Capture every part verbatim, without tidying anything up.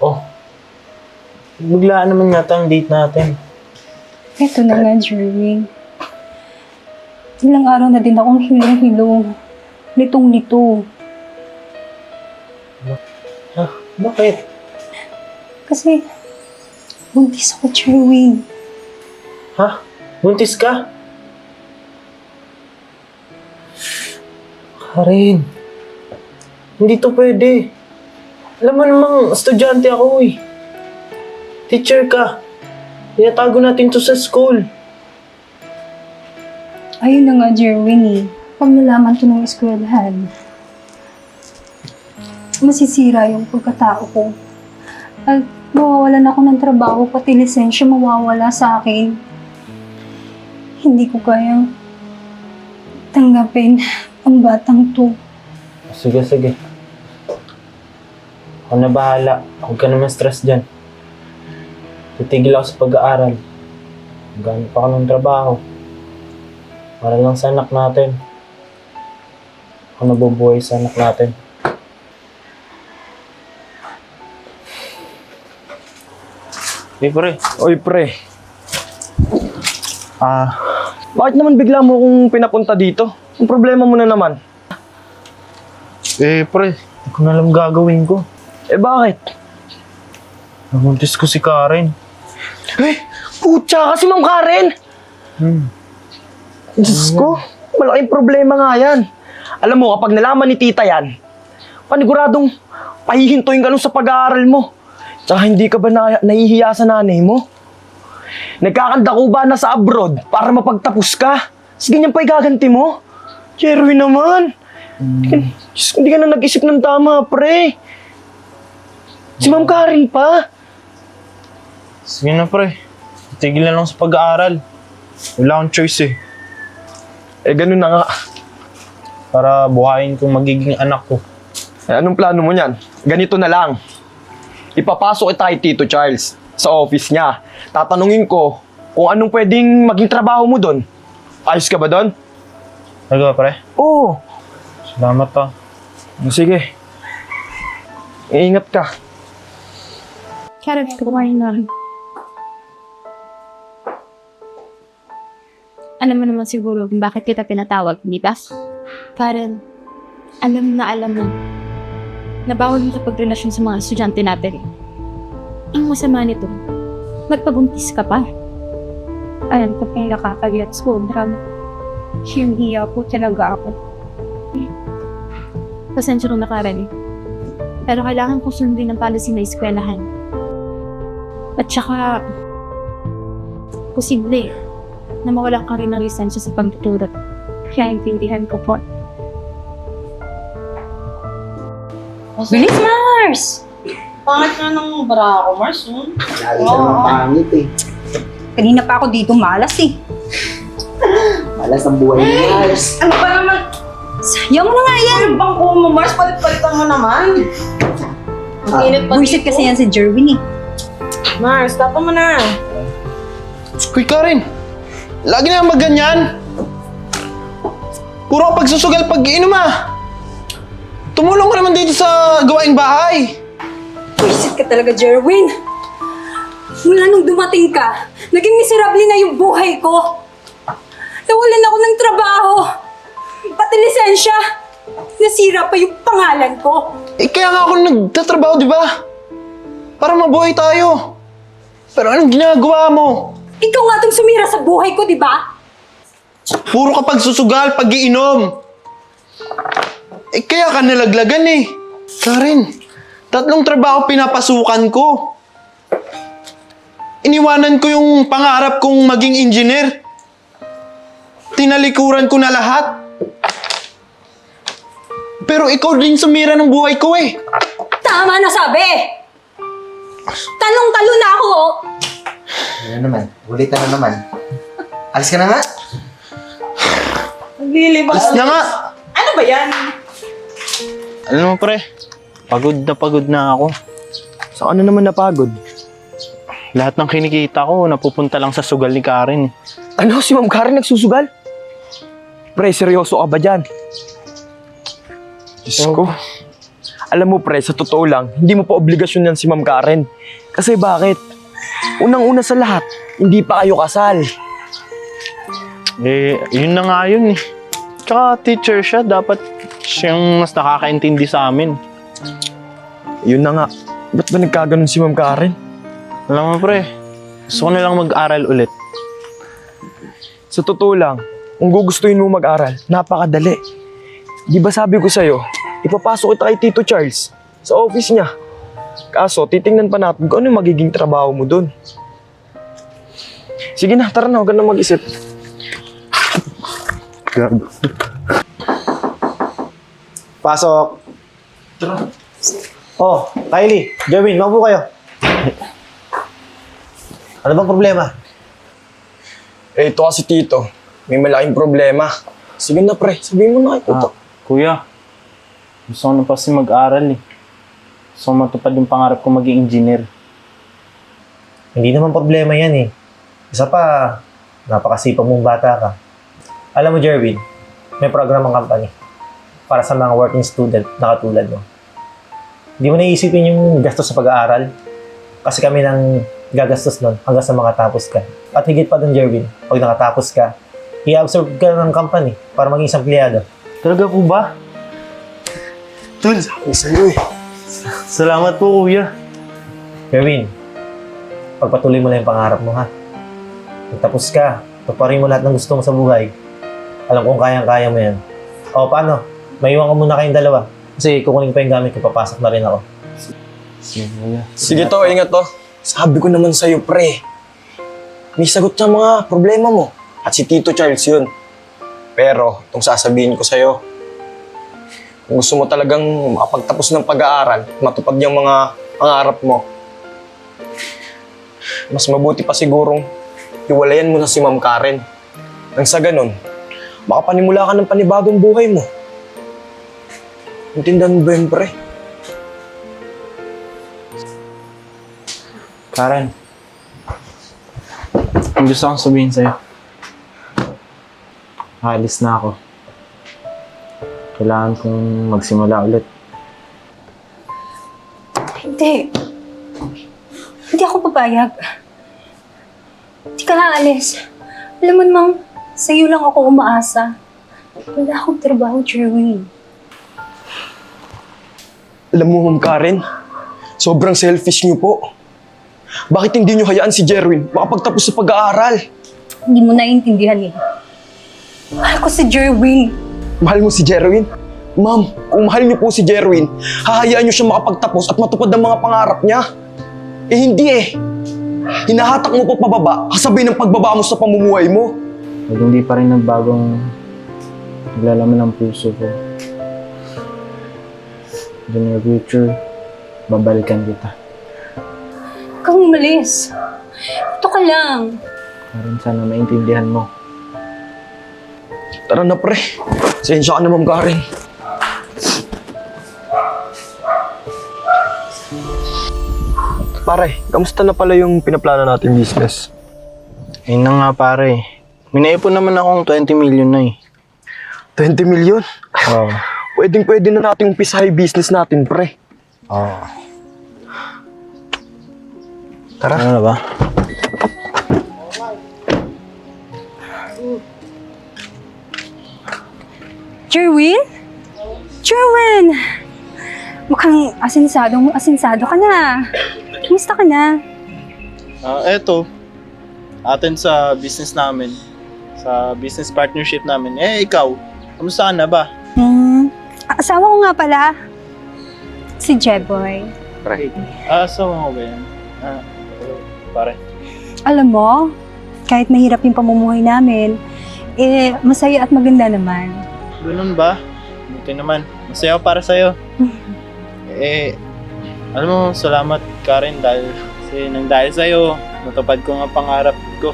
Oh, biglaan naman yata ang date natin. Ito na nga, Jerwin. Ilang araw na din akong hilong-hilong. Nitong-nito. Ha? Bakit? Kasi, buntis ako, Jerwin. Ha? Buntis ka? Karen, hindi to pwede. Alam mo namang estudyante ako eh. Teacher ka. Tinatago natin to sa school. Ayun na nga, Jerwin eh. Pag nalaman to ng eskwelahan, masisira yung pagkatao ko. At mawawalan ako ng trabaho, pati lisensya mawawala sa akin. Hindi ko kayang tanggapin ang batang to. Sige, sige. Ako na bahala. Huwag ka naman stress dyan. Titigil ako sa pag-aaral. Maghanap pa ako ng trabaho. Para lang sa anak natin. Ako nabubuhay sa anak natin. Hey, pre. Oy, pre. Ah, bakit naman bigla mo kong pinapunta dito? Ang problema mo na naman. Eh, pre. Hindi ko na alam gagawin ko. Eh, bakit? Namuntis ko si Karen. Eh, putya ka si Ma'am Karen! Hmm. Diyos ko, malaking problema nga yan. Alam mo, kapag nalaman ni tita yan, paniguradong pahihintuin ka nun sa pag-aaral mo. Tsaka hindi ka ba na nahihiya sa nanay mo? Nagkakandako ba na sa abroad para mapagtapos ka? Tapos ganyan pa igaganti mo? Jerwin naman. Hmm. Diyos, hindi ka na nag-isip ng tama, pre. Si Ma'am Karen pa. Sige na, pre. Tigil na lang sa pag-aaral. Wala akong choice eh. Eh, ganun na nga. Para buhayin kong magiging anak ko. Eh, anong plano mo niyan? Ganito na lang. Ipapasok kita kay Tito Charles sa office niya. Tatanungin ko kung anong pwedeng maging trabaho mo doon. Ayos ka ba doon? Talaga, pre? Oo. Salamat ah. Sige. Iingat ka. Karen, kumain na. Alam mo naman siguro kung bakit kita pinatawag, di ba? Karen, alam na alam mo na bawal mo kapag-relasyon sa mga estudyante natin. Ang masama nito, magpabuntis ka pa. Alam ko kung nakakagets ko, drag. Hiya po talaga ako. Pasensya rin na, Karen. Pero kailangan ko sundin ang policy na eskwelahan. At saka, posible na mawalan ka rin ng lisensya sa pagtuturo. Kaya intindihan ko po. Bilis, Mars! Pangit nga ng bara ako, Mars. Oh. Lagi ka naman pangit eh. Kanina pa ako dito malas eh. Malas ang buhay ni Mars. Ano ba naman? Sayang mo na nga yan! Ano bang kumo, Mars? Palit-palitan mo naman. Ang Ah, init pa Buisit dito. kasi yan si Jerwin eh. Mars, tapa mo na. Uy, Karen! Lagi na magganyan! Puro pagsusugal pag-iinom ah! Tumulong ka naman dito sa gawaing bahay! Buisit ka talaga, Jerwin! Mula nung dumating ka, naging miserable na yung buhay ko. Nawalan ako ng trabaho. Pati lisensya. Nasira pa yung pangalan ko. Eh, kaya nga ako nagtatrabaho, di ba? Para mabuhay tayo. Pero anong ginagawa mo? Ikaw nga itong sumira sa buhay ko, di ba? Puro ka pagsusugal, pag-iinom. Eh, kaya ka nalaglagan eh. Karen, tatlong trabaho pinapasukan ko. Iniwanan ko yung pangarap kong maging engineer. Tinalikuran ko na lahat. Pero ikaw din sumira ng buhay ko eh. Tama na sabi! Talong-talo na ako! oh. Ano naman? Ulitan na naman. Alis ka na nga. Naglilibang. Alis na nga. Ano ba yan? Alam mo, pre. Pagod na pagod na ako. Sa ano naman napagod? Lahat ng kinikita ko, napupunta lang sa sugal ni Karen. Ano, si Ma'am Karen nagsusugal? Pre, seryoso ka ba dyan? Diyos ko. Alam mo pre, sa totoo lang, hindi mo pa obligasyon yan si Ma'am Karen. Kasi bakit? Unang-una sa lahat, hindi pa kayo kasal. Eh, yun na nga yun eh. Tsaka teacher siya, dapat siyang mas nakakaintindi sa amin. Yun na nga. Ba't ba nagkaganon si Ma'am Karen? Alam mo pre, gusto ko na lang mag-aral ulit. Sa totoo lang, kung gugustuhin mo mag-aral, napakadali. Di ba sabi ko sa'yo, ipapasok kita kay Tito Charles sa office niya. Kaso, titingnan pa natin kung ano yung magiging trabaho mo dun. Sige na, tara na, huwag ka na mag-isip. Pasok. Oh, Kylie, Jerwin, maupo kayo. Ano bang problema? Eh, ito kasi Tito, may malaking problema. Sige na pre, sabihin mo na kay Tito. Ah, kuya, gusto ko na pa kasi mag-aral eh. Gusto ko matupad yung pangarap ko maging engineer. Hindi naman problema yan eh. Isa pa, napakasipag mong bata ka. Alam mo, Jerwin, may program ang company para sa mga working student na katulad mo. Hindi mo naisipin yung gastos sa pag-aaral kasi kami nang gagastos nun hanggang sa makatapos ka. At higit pa dun, Jerwin, pag nakatapos ka, i-absorb ka ng company para maging isang empleyado. Talaga po ba? Tol, sabi sa'yo eh. Salamat po kuya. Jerwin, pagpatuloy mo lang yung pangarap mo, ha? Pagtapos ka, tuparin mo lahat ng gusto mo sa buhay. Alam kong kayang-kaya mo yan. O, paano? Maiwan ko muna kayong dalawa. Kasi kukunin pa yung gamit ko, papasok na rin ako. Sige kuya. Sige to, ingat to. Sabi ko naman sa'yo, pre. May sagot sa mga problema mo. At si Tito Charles yun. Pero, itong sasabihin ko sa'yo, kung gusto mo talagang makapagtapos ng pag-aaral, matupad yung mga pangarap mo, mas mabuti pa sigurong hiwalayan mo na si Ma'am Karen. Nang sa ganun, makapanimula ka ng panibagong buhay mo. Intindihan mo ba yun, pre? Karen, ang gusto kong sabihin sa'yo. Alis na ako. Kailangan kong magsimula ulit. Hindi. Hindi ako papayag. Hindi ka aalis. Alam mo namang, sa'yo lang ako umaasa. Wala akong trabaho, Jerwin. Alam mo, Ma'am Karen, sobrang selfish niyo po. Bakit hindi niyo hayaan si Jerwin makapagtapos sa pag-aaral? Hindi mo naiintindihan eh. Mahal ko si Jerwin. Mahal mo si Jerwin? Ma'am, kung mahal niyo po si Jerwin, hahayaan niyo siya makapagtapos at matupad ang mga pangarap niya. Eh hindi eh. Hinahatak mo pa pababa, kasabay ng pagbaba mo sa pamumuhay mo. Pag hindi pa rin nagbagong naglalaman ng puso ko, in the near future, babalikan kita. Huwag kang umalis. Ito ka lang. Karen, sana maintindihan mo. Tara na pre, sensya ka na Ma'am Karen. Pare, kamusta na pala yung pinaplano natin business? Ayun na nga pare. May naipon naman akong twenty million na eh. twenty million? Oo. Pwedeng pwede na natin umpisahay business natin, pre. Oo. Tara. Ano na ba? Jerwin? Jerwin! Mukhang asinsadong asinsado ka na. Kumusta ka na? Ah, eto. Atin sa business namin. Sa business partnership namin. Eh, ikaw. Kamusta ka na ba? Hmm, asawa ko nga pala. Si Jeboy. Ah, so mo ba yan? Ah, pare. Alam mo, kahit mahirap yung pamumuhay namin, eh, masaya at maganda naman. Ganun ba? Buti naman. Masaya ako para sa'yo. eh, alam mo, salamat Karen dahil kasi nang dahil sa'yo, natupad ko nga pangarap ko.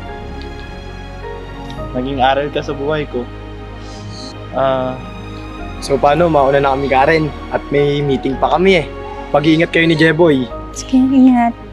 Naging aral ka sa buhay ko. Ah, So paano, mauna na kami Karen at may meeting pa kami eh. Pag-iingat kayo ni Jeboy. Sige, ingat.